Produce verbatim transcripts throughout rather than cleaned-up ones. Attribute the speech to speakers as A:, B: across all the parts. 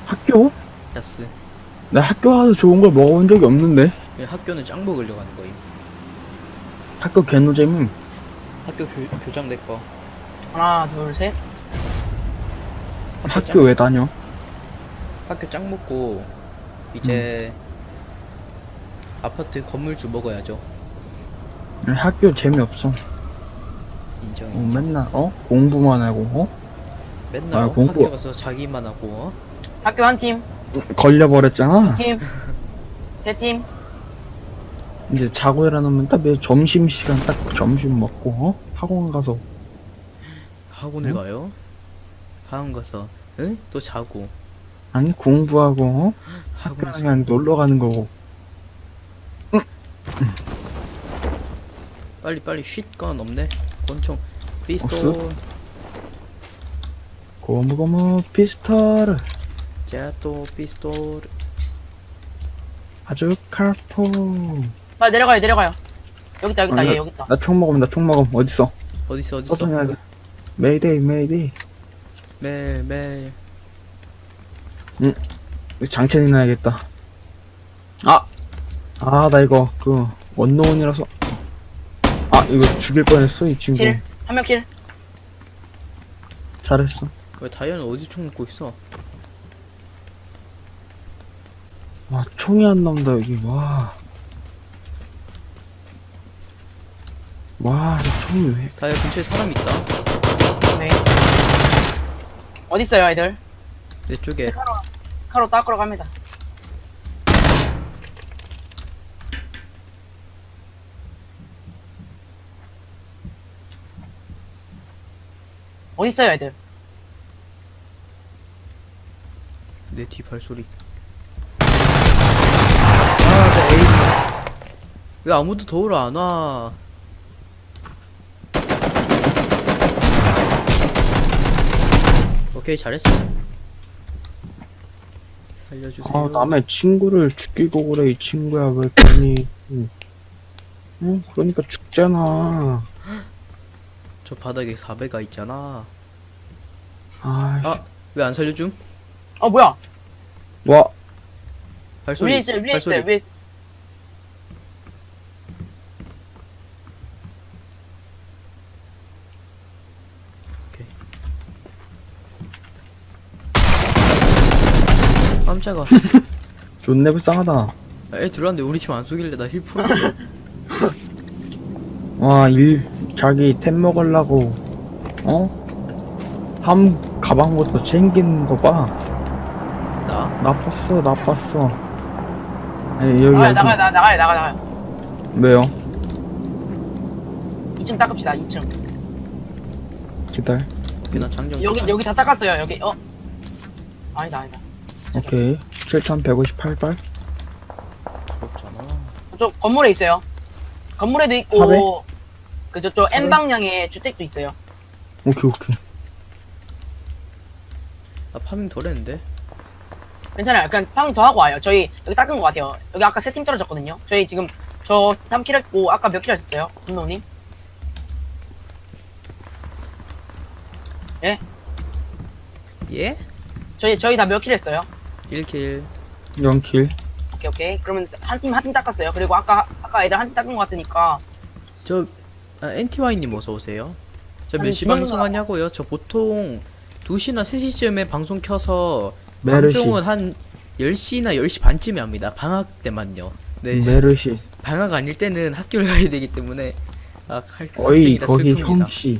A: 학교?
B: 야스.
A: 나 학교 가서 좋은 걸 먹어본 적이 없는데.
B: 왜 학교는 짱 먹으려고 하는 거임.
A: 학교 개노잼임.
B: 학교 교, 교장 내꺼.
C: 하나, 둘, 셋.
A: 학교 왜 다녀?
B: 학교 짱 먹고 이제 아파트 건물주 먹어야죠.
A: 학교 재미없어.
B: 인정.
A: 어, 맨날 어? 공부만 하고 어?
B: 맨날
A: 아,
B: 어?
A: 공부-
B: 학교 가서 자기만 하고 어?
C: 학교 한 팀,
A: 걸려버렸잖아.
C: 팀, 세 팀.
A: 이제 자고 일어나면 딱 매 점심시간 딱 점심 먹고 어? 학원 가서
B: 학원을
A: 응?
B: 가요? 학원 가서 응? 또 자고
A: 아니 공부하고 어? 학교
B: 학원에서
A: 그냥 놀러 가는 거고.
B: 빨리 빨리 쉿건 없네. 권총 피스톨
A: 없어? 고무고무 피스톨
B: 제또 피스톨.
A: 아주 칼포.
C: 빨리 내려가요, 내려가요. 여기 있다, 여기 있다,
A: 아,
C: 얘 여기 있다.
A: 나 총 먹음 나 총 먹음 어딨어?
B: 어딨어 어딨어.
A: 어떠냐? 메이데이 메이데이.
B: 매일 매일.
A: 장첸이 나야겠다. 아! 아, 나 이거, 그, 원노원이라서. 아, 이거 죽일 뻔했어, 이 친구.
C: 킬, 한 명 킬.
A: 잘했어.
B: 왜 다이아는 어디 총 먹고 있어?
A: 와, 총이 안 나온다, 여기, 와. 와, 이 총이 왜.
B: 다이아 근처에 사람 있다.
C: 네. 어디 있어요, 애들?
B: 내 쪽에.
C: 카로, 카로 닦으러 갑니다. 어디 있어요, 애들?
B: 내 뒤 발소리. 아, 나 에임. 왜 아무도 도우러 안 와? 오케이, 잘했어. 살려주세요.
A: 아, 남의 친구를 죽이고 그래, 이 친구야, 왜 괜히. 응, 응, 그러니까 죽잖아.
B: 저 바닥에 사배가 있잖아.
A: 아,
B: 아, 왜 안 살려줌?
C: 어, 뭐야?
A: 와,
B: 발소리.
C: 위에 있어요, 위에
B: 발소리.
C: 있어요, 위에.
B: 오케이. 깜짝아.
A: 존내 불쌍하다.
B: 애 들어왔는데 우리 팀 안 쏘길래 나 힐 풀었어.
A: 와, 일, 자기 템 먹으려고, 어? 함, 가방부터 챙기는 거 봐.
B: 나?
A: 나빴어, 나빴어. 에이, 여기,
C: 나가요,
A: 여기.
C: 나가요, 나- 나가요, 나가요, 나가요.
A: 왜요?
C: 이 층 닦읍시다, 이 층.
A: 기다려.
B: 오케이, 나 장정.
C: 여기,
B: 쫓아-
C: 여기 다 닦았어요, 여기. 어? 아니다, 아니다.
A: 오케이. 칠천백오십팔 발.
B: 부럽잖아.
C: 저쪽 건물에 있어요. 건물에도 있고,
A: 사배?
C: 그 저쪽
A: 사배?
C: N 방향에 주택도 있어요.
A: 오케이, 오케이.
B: 나 파밍 덜 했는데.
C: 괜찮아요. 그냥 팡 더 하고 와요. 저희 여기 닦은 것 같아요. 여기 아까 세 팀 떨어졌거든요. 저희 지금 저 삼 킬 했고, 아까 몇 킬 하셨어요? 분노님? 예?
B: 예?
C: 저희, 저희 다 몇 킬 했어요?
B: 일 킬.
A: 영 킬.
C: 오케이, 오케이. 그러면 한 팀, 한 팀 닦았어요. 그리고 아까, 아까 애들 한 팀 닦은 것 같으니까.
B: 저, 아, 엔티와이님 어서오세요. 저 몇
C: 아니,
B: 시
C: 지금
B: 방송 하냐고요? 저 보통 두 시나 세 시쯤에 방송 켜서
A: 메르시.
B: 방송은 한 열 시나 열 시 반쯤에 합니다. 방학 때만요. 네.
A: 메르시.
B: 방학 아닐 때는 학교를 가야 되기 때문에 아, 할
A: 어이,
B: 학생이라
A: 거기
B: 슬픕니다.
A: 형씨.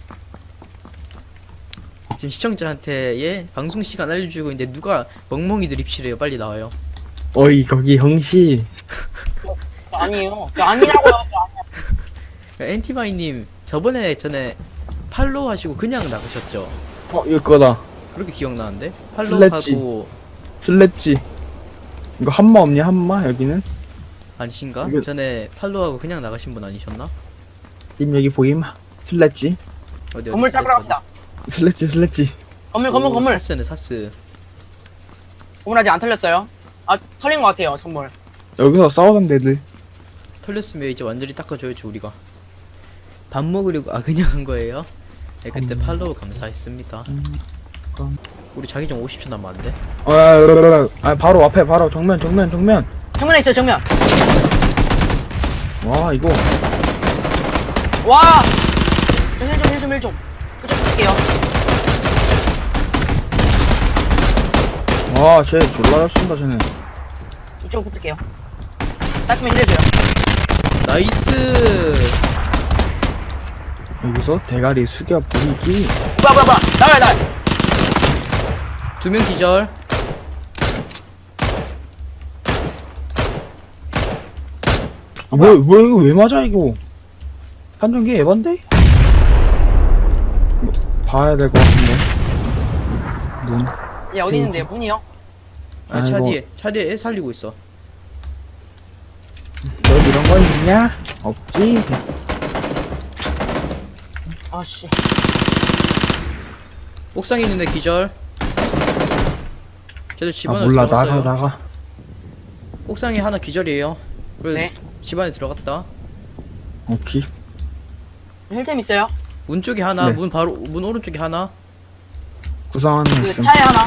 B: 지금 시청자한테 예 방송 시간 알려주고 있는데 누가 멍멍이들 입실해요. 빨리 나와요.
A: 어이, 거기 형씨.
C: 저 아니에요. 저 아니라고요. 저 아니-
B: 엔티바이님 저번에 전에 팔로우 하시고 그냥 나가셨죠?
A: 어, 이거 거다.
B: 그렇게 기억나는데?
A: 슬래지.
B: 팔로우하고
A: 슬래지. 이거 한마 없냐, 한마? 여기는?
B: 아니신가?
A: 이거-
B: 전에 팔로우하고 그냥 나가신 분 아니셨나?
A: 님 여기 보임? 슬래지.
B: 어디 어디
C: 건물 닦으러 갑시다.
A: 슬래지, 슬래지.
C: 건물, 건물,
B: 오,
C: 건물.
B: 사스네 사스.
C: 건물 아직 안 털렸어요. 아, 털린 것 같아요, 건물.
A: 여기서 싸우던 애들.
B: 털렸으면 이제 완전히 닦아줘야죠 우리가. 밥 먹으려고 아 그냥 한 거예요? 네 그때
A: 음.
B: 팔로우 감사했습니다.
A: 음, 그럼.
B: 우리 자기장 오십 초 남았는데.
A: 아, 아, 아, 아, 바로 앞에, 바로 정면, 정면, 정면.
C: 정면에 있어요, 정면.
A: 와, 이거.
C: 와! 저 힐 좀, 힐 좀, 힐 좀. 그쪽 붙을게요.
A: 와, 쟤 졸라 잘 쏜다, 쟤네.
C: 이쪽 붙을게요. 따끔히 힐해줘요.
B: 나이스.
A: 여기서 대가리 숙여 보이기.
C: 뭐야, 뭐야, 뭐야. 나와요, 나와요.
B: 두 명 기절.
A: 아, 뭐야, 뭐야, 이거 왜 맞아, 이거. 판정기 에반데? 뭐, 봐야 될 것 같은데. 문.
C: 얘 어디 있는데요? 문이요?
B: 아, 차
A: 아이고.
B: 뒤에 차 뒤에 애 살리고 있어.
A: 너 이런 거 있냐? 없지?
C: 아씨.
B: 옥상에 있는데 기절. 쟤들 집
A: 아,
B: 안으로
A: 몰라,
B: 들어갔어요.
A: 나가, 나가.
B: 옥상에 하나 기절이에요. 그래,
C: 네.
B: 집 안에 들어갔다.
A: 오케이.
C: 힐템 있어요?
B: 문 쪽에 하나,
A: 네.
B: 문 바로 문 오른쪽에 하나.
A: 구상하는 거
C: 그
A: 있음.
C: 차에 하나.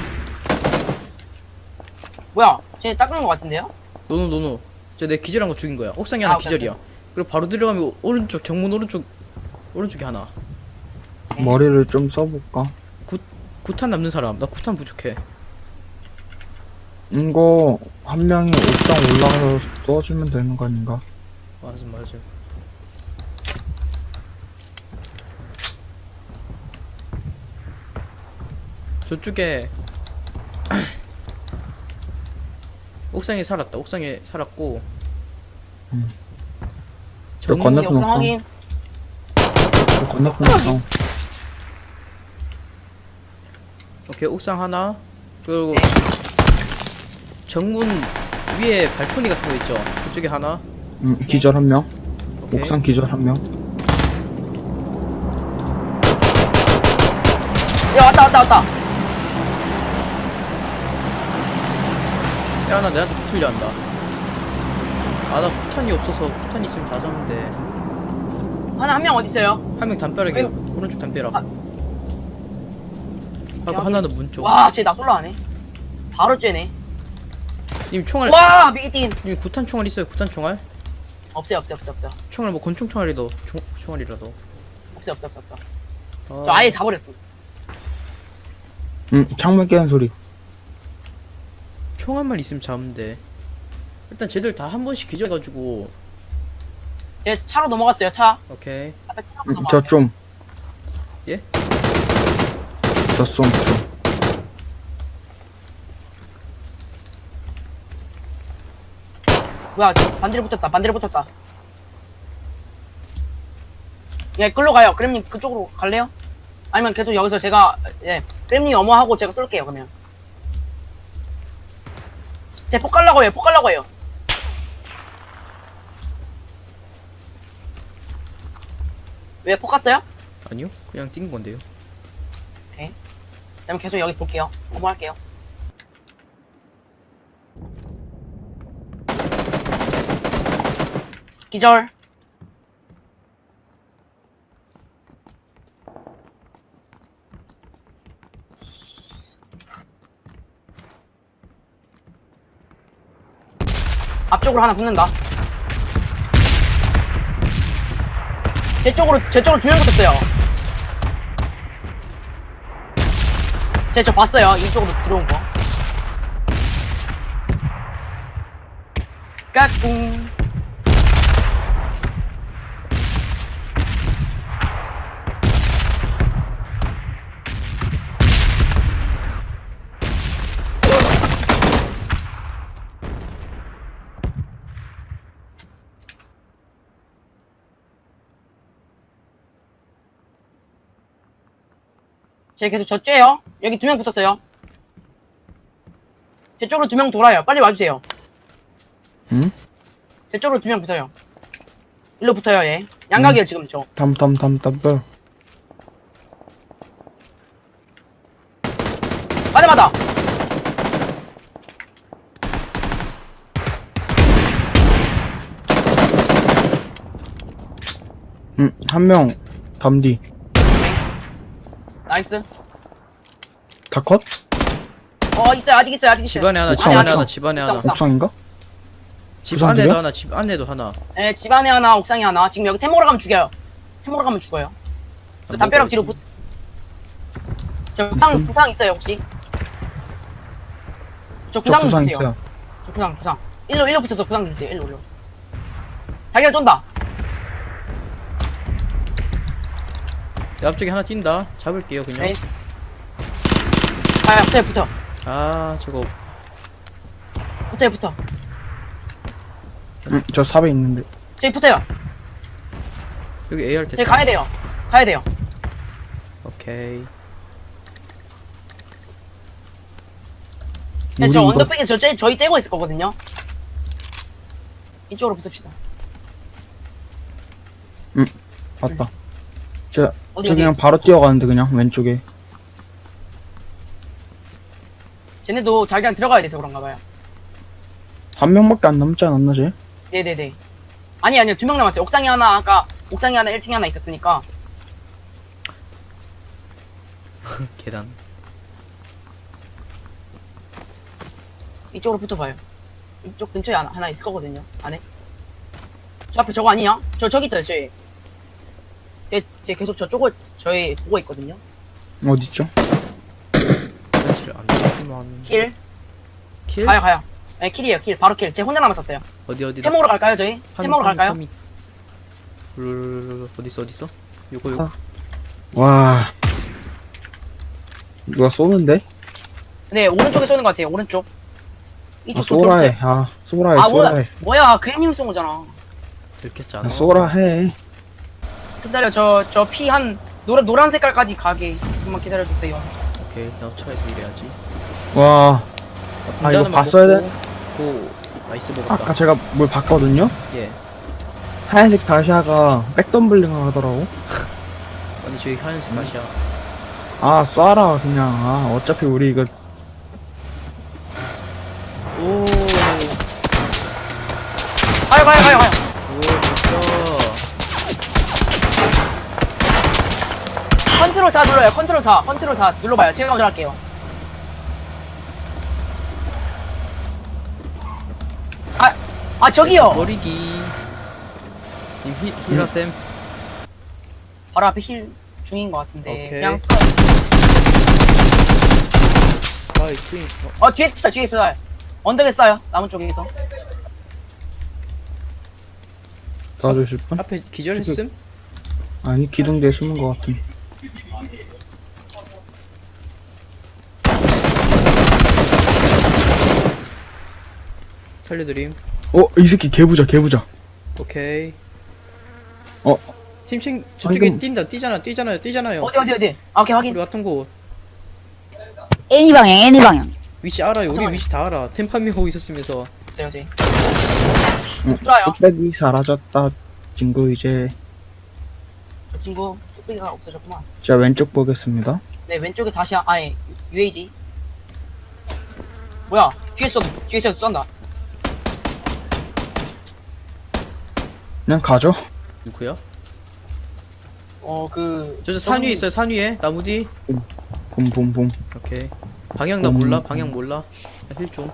C: 뭐야? 쟤 닦은 거 같은데요?
B: 노노 노노. 저 내 기절한 거 죽인 거야. 옥상에 하나
C: 아, 오케이,
B: 기절이야. 그리고 바로 들어가면 오른쪽 정문 오른쪽 오른쪽에 하나.
A: 머리를 좀 써볼까?
B: 구탄 남는 사람. 나 구탄 부족해.
A: 이거, 한 명이 옥상 올라가서 쏘주면 되는 거 아닌가?
B: 맞아 맞아. 저쪽에 옥상에 살았다. 옥상에 살았고.
A: 음. 저
B: 정문
A: 건너-
C: 여기 옥상
A: 옥상.
C: 확인.
A: 저 건너편 옥상.
B: 오케이 옥상 하나. 그리고
C: 네.
B: 정문 위에 발코니 같은 거 있죠. 그쪽에 하나.
A: 음, 기절 한 명.
B: 오케이.
A: 옥상 기절 한 명.
C: 야, 왔다, 왔다, 왔다.
B: 야, 나 내한테 붙으려 한다. 아, 나 쿠탄이 없어서 쿠탄 있으면 다 잡는데.
C: 하나, 한 명 어디 있어요?
B: 한 명 담벼락에
C: 아이고.
B: 오른쪽 담벼락.
C: 아.
B: 하고
C: 여기.
B: 하나는 문 쪽.
C: 와, 쟤 나 솔라하네. 바로 쬐네.
B: 님 총알.
C: 와, 미기틴.
B: 님 구탄 총알 있어요? 구탄 총알?
C: 없어요, 없어요, 없어요, 없어요.
B: 총알 뭐 권총 총알이라도 총 총알이라도.
C: 없어요, 없어요, 없어요.
B: 아,
C: 저 아예 다 버렸어.
A: 음, 창문 깨는 소리.
B: 총알만 있으면 잡으면 돼. 일단 쟤들 다 한 번씩 기절해가지고.
C: 얘 차로 넘어갔어요, 차.
B: 오케이.
C: 앞에 차로
A: 음,
C: 넘어갔어요.
A: 저 좀.
B: 예?
A: 저 좀, 좀.
C: 뭐야, 반대로 붙었다, 반대로 붙었다. 예, 끌로 가요. 그램님 그쪽으로 갈래요? 아니면 계속 여기서 제가, 예, 그램님 어머하고 제가 쏠게요, 그러면. 제폭 갈라고 해요, 폭 갈라고 해요. 왜 폭 갔어요?
B: 아니요? 그냥 뛴 건데요.
C: 그럼 계속 여기 볼게요. 어머 할게요. 기절. 앞쪽으로 하나 붙는다. 제 쪽으로, 제 쪽으로 두 명 붙었어요. 제 저 봤어요. 이쪽으로 들어온 거. 까꿍. 제 계속 저 쬐요. 여기 두 명 붙었어요. 제 쪽으로 두 명 돌아요. 빨리 와주세요.
A: 응?
C: 제 쪽으로 두 명 붙어요. 일로 붙어요, 얘. 양각이에요, 지금 저.
A: 담, 담, 담, 담, 담.
C: 맞아, 맞아.
A: 음, 한 명, 담디.
C: 나이스.
A: 다 컷?
C: 어 있어요 아직 있어요 아직 있어요.
B: 집안에 하나,
A: 옥상,
B: 집안에
A: 옥상.
B: 하나, 집안에 하나.
C: 옥상.
A: 옥상인가?
B: 집
A: 구상들이야?
B: 안에도 하나, 집 안에도 하나.
C: 네, 집 안에 하나 옥상에 하나. 지금 여기 템모로 가면 죽여요. 템모로 가면 죽어요. 저
B: 안
C: 담벼락
B: 먹어야지.
C: 뒤로 붙. 저 구상
A: 음.
C: 구상 있어요 혹시? 저
A: 저
C: 구상
A: 구상
C: 주세요.
A: 있어요.
C: 저 구상 구상. 일로 일로 붙어서 구상 주세요. 일로 일로. 자기가 쫀다.
B: 내 앞쪽에 하나 뛴다. 잡을게요 그냥.
C: 네. 아 붙어요 붙어.
B: 아 저거
C: 붙어요 붙어.
A: 응, 저 삽에 있는데.
C: 저기 붙어요.
B: 여기 에이알
C: 저기
B: 됐다.
C: 가야 돼요. 가야 돼요.
B: 오케이.
C: 네,
A: 우리
C: 저
A: 이거-
C: 언더백에 저 쟤, 저희 째고 있을 거거든요. 이쪽으로 붙읍시다.
A: 봤다. 저,
C: 어디
A: 저
C: 어디?
A: 그냥 바로 뛰어가는데 그냥 왼쪽에.
C: 쟤네도 자기랑 들어가야 돼서 그런가 봐요.
A: 한 명밖에 안 남지 않았나 쟤?
C: 네네네. 아니 아니요 두 명 남았어요. 옥상에 하나 아까 옥상에 하나 일 층에 하나 있었으니까.
B: 계단.
C: 이쪽으로 붙어봐요. 이쪽 근처에 하나, 하나 있을 거거든요. 안에. 저 앞에 저거 아니냐? 저 저기 있어요. 저희. 제, 제 계속 저쪽을 저희 보고 있거든요.
A: 어딨죠?
B: 설치를 안 되지만.
C: 킬.
B: 킬?
C: 가요 가요. 네 킬이에요 킬. 바로 킬. 제 혼자 남았었어요.
B: 어디 어디?
C: 템모로 갈까요 저희? 템모로 갈까요?
B: 룰 어디 있어 어디 있어? 요거 요거.
A: 아. 와. 누가 쏘는데?
C: 네 오른쪽에 쏘는 것 같아요. 오른쪽.
A: 아,
C: 이쪽
A: 쏘라해. 아, 쏘라해,
C: 아 뭐야?
A: 쏘라해.
C: 뭐야? 그래님이 쏜 거잖아.
B: 들켰잖아.
A: 아, 쏘라해.
C: 기다려 저 저 피 한 노란 노란 색깔까지 가게. 조금만 기다려 주세요.
B: 오케이 나 차에서 일해야지.
A: 와. 아, 이거 봤어야 돼?
B: 오 나이스 먹었다.
A: 아까 제가 뭘 봤거든요?
B: 예.
A: 하얀색 다시아가 백덤블링 하더라고.
B: 아니 저기 하얀색 다시야.
A: 아, 쏴라, 그냥. 아, 어차피 우리 이거.
B: 오.
C: 가요 가요 가요 가요.
B: 오 진짜.
C: 컨트롤 사 눌러요. 컨트롤 사. 컨트롤 사 눌러봐요. 제가 먼저 할게요. 아, 아 저기요.
B: 머리기. 님 힐, 힐하셈.
C: 바로 앞에 힐 중인 것 같은데.
B: 오케이.
C: 그냥
B: 아이 트윈.
C: 어 뒤에 있어 뒤에 있어요. 언덕에 싸요. 나무 쪽에서.
A: 쏴주실 분?
B: 앞에 기절했음?
A: 아니, 기둥대에 숨은 것 같은.
B: 살려드림.
A: 어, 이 새끼 개부자, 개부자.
B: 오케이.
A: 어,
B: 팀칭 저쪽에
A: 이건-
B: 뛴다. 뛰잖아. 뛰잖아요. 뛰잖아요.
C: 어디 어디 어디. 아, 오케이
B: 우리
C: 확인.
B: 같은 곳.
D: 애니 방향, 애니 방향.
B: 위치 알아요. 우리
C: 잠깐만요.
B: 위치 다 알아. 템파밍하고 있었으면서.
C: 저요 저희.
A: 응,
C: 좋아요.
A: 뚝배기 사라졌다. 친구 이제.
C: 저 친구 뚝배기가 없어졌구만.
A: 자, 왼쪽 보겠습니다.
C: 네 왼쪽에 다시 하- 아니 유에이지. 뭐야? 뒤에서 뒤에서 쏜다.
A: 그냥 가죠.
B: 누구야?
C: 어그
B: 저저 산 위에 있어요. 산 위에 나무 뒤.
A: 봄봄봄.
B: 오케이. 방향 나
A: 음.
B: 몰라. 방향 몰라. 힐 좀.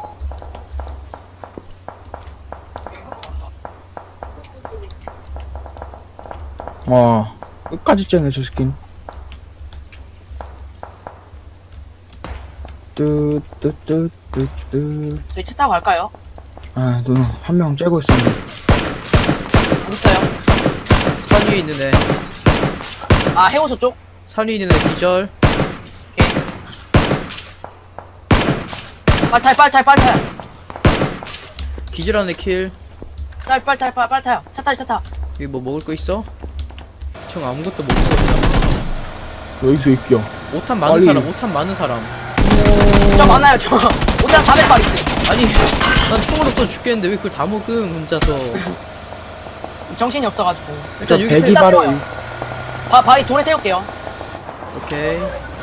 A: 와, 끝까지 째네, 저 스킨. 뚜뚜뚜뚜뚜.
C: 저희 차 타고 갈까요?
A: 아, 누나, 한 명 째고 있었는데.
C: 어디 있어요?
B: 산 위에 있는 애.
C: 아 해오소 쪽.
B: 산 위에 있는 애 기절.
C: 빨타요 빨타요 빨타요.
B: 기절한 애 킬.
C: 빨 빨타요 빨 빨타요. 차 타요 차 타.
B: 여기 뭐 먹을 거 있어? 형 아무것도 못 먹었잖아.
A: 여기서 있겨.
B: 오탄 많은
A: 빨리.
B: 사람. 오탄 많은 사람.
C: 저 많아요 저. 오장 사백 발 있어요.
B: 아니 난 총으로 또 죽겠는데 왜 그걸 다 먹음 혼자서.
C: 정신이 없어가지고.
A: 저
B: 일단 여기
A: 배기
B: 세-
C: 바,
A: 발에.
C: 바 바위 돌에 세울게요.
B: 오케이.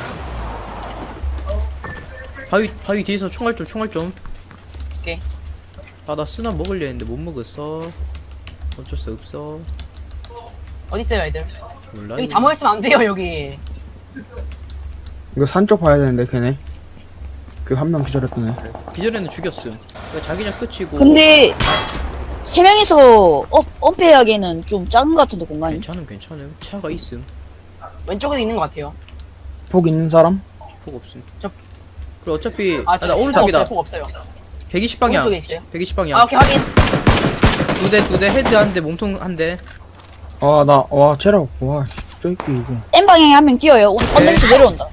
B: 바위 바위 뒤에서 총알 좀 총알 좀.
C: 오케이.
B: 아 나 쓰나 먹으려 했는데 못 먹었어. 어쩔 수 없어.
C: 어디 있어요 애들?
B: 몰라.
C: 여기
B: 이거.
C: 다 모였으면 안 돼요 여기.
A: 이거 산 쪽 봐야 되는데 걔네 그 한 명 기절했던 애.
B: 기절에는 죽였음. 그러니까 자기장 끝이고.
D: 근데 세 명이서 어, 엄폐하기에는 좀 작은 것 같은데 공간이.
B: 괜찮음 괜찮음. 차가 있음.
C: 왼쪽에도 있는 것 같아요.
A: 폭 있는 사람?
B: 폭 없음.
C: 저-
B: 그리고 어차피
C: 아,
B: 아, 나 오른쪽이다.
C: 폭 없어요.
B: 백이십 방향.
C: 오른쪽에 있어요.
B: 백이십 방향.
C: 아, 오케이, 확인.
B: 두 대 두 대 헤드 한 대 몸통 한 대.
A: 아 나 와 체력 와 씨, 저기 이거
D: M 방향에 한 명 뛰어요. 온- 언덕에서 내려온다.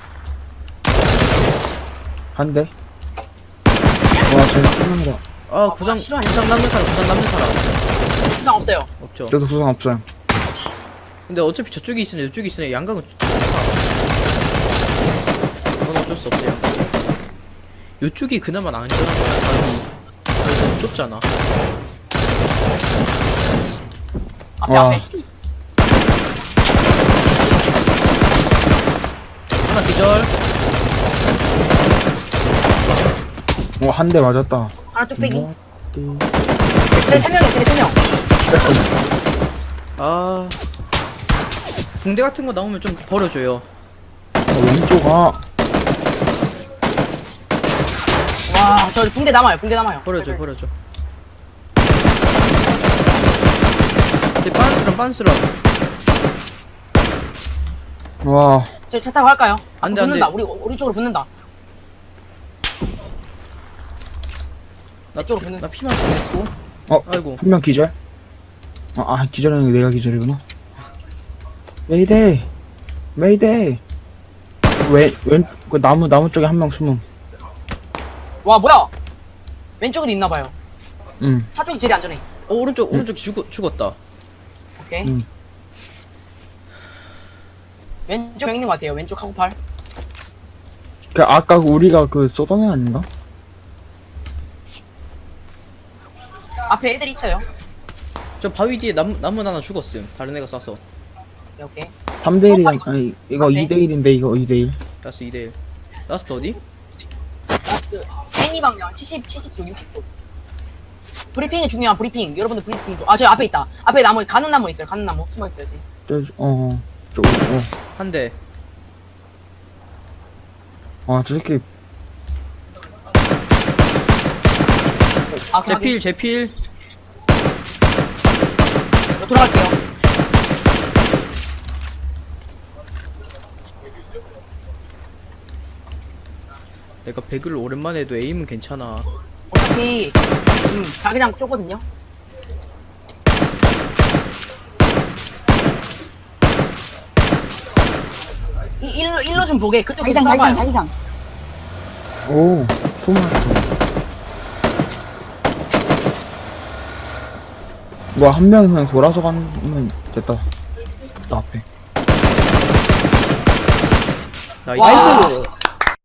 A: 한 대. 와 쟤 끝난 거.
B: 아 구상
C: 싫어하냐?
B: 구상 남는 사람 구상 남는 사람
C: 부상 없어요.
B: 없죠.
A: 저도 구상 없어요.
B: 근데 어차피 저쪽에 있으네 이쪽에 있으네 양각은 그건 어쩔 수 없어요. 요쪽이 그나마 안전한 거야. 자기 자기 너무 좁잖아.
C: 앞에,
A: 와.
C: 앞에.
B: 하나 기절.
A: 어한 대 맞았다.
C: 하나 뚝배기.
A: 뭐?
C: 쟤 세 명이야, 쟤네 세 명.
B: 아 붕대 같은 거 나오면 좀 버려줘요.
A: 어, 왼쪽 아
C: 와, 저 붕대 남아요, 붕대 남아요.
B: 버려줘 버려줘. 쟤 빤스런 빤스런.
A: 와.
C: 저차 타고 갈까요?
B: 안 돼, 안
C: 붙는다,
B: 돼.
C: 우리, 우리 쪽으로 붙는다.
B: 나
C: 이쪽으로 붙는
B: 나 피만 죽겠고.
A: 어?
B: 아이고.
A: 한 명 기절? 아, 아 기절하는 게 내가 기절이구나. 메이데이 메이데이 왼왼그 나무 나무 쪽에 한 명 숨음.
C: 와, 뭐야? 왼쪽에도 있나봐요.
A: 응.
C: 사쪽이 제일 안전해.
B: 어 오른쪽 오른쪽 죽 죽었다.
C: 오케이.
A: 응.
C: 왼쪽 있는 것 같아요, 왼쪽 하고 팔.
A: 그 아까 그 우리가 그 쏘던 애 아닌가?
C: 앞에 애들 있어요.
B: 저 바위 뒤에 나무 나무 하나 죽었음. 다른 애가 쏴서.
C: 네, 오케이.
A: 삼 대 일이랑 아니 이거
C: 앞에?
A: 이 대 일인데 이거 이 대 일.
B: 라스 이 대 일. 라스트 어디?
C: 어, 그, 애니 방향 칠십, 칠십 도, 육십 도. 브리핑이 중요한 브리핑. 여러분들 브리핑. 좀- 아, 저 앞에 있다. 앞에 나무, 가는 나무 있어요, 가는 나무. 숨어 있어요, 지금.
A: 저어 저 어.
B: 한 대.
A: 아, 저 새끼
C: 아, 오케이,
B: 제필 제필.
C: 저 돌아갈게요.
B: 내가 배그를 오랜만에 해도 에임은 괜찮아.
C: 어차피, 음, 자기장 쪼거든요. 이, 일로, 일로 좀 보게. 그쪽에
D: 자기장, 자기장, 자기장.
A: 오 토마토. 뭐 한 명이 그냥 돌아서 가면 됐다. 나 앞에.
B: 나이스.
C: 와.
D: 나이스.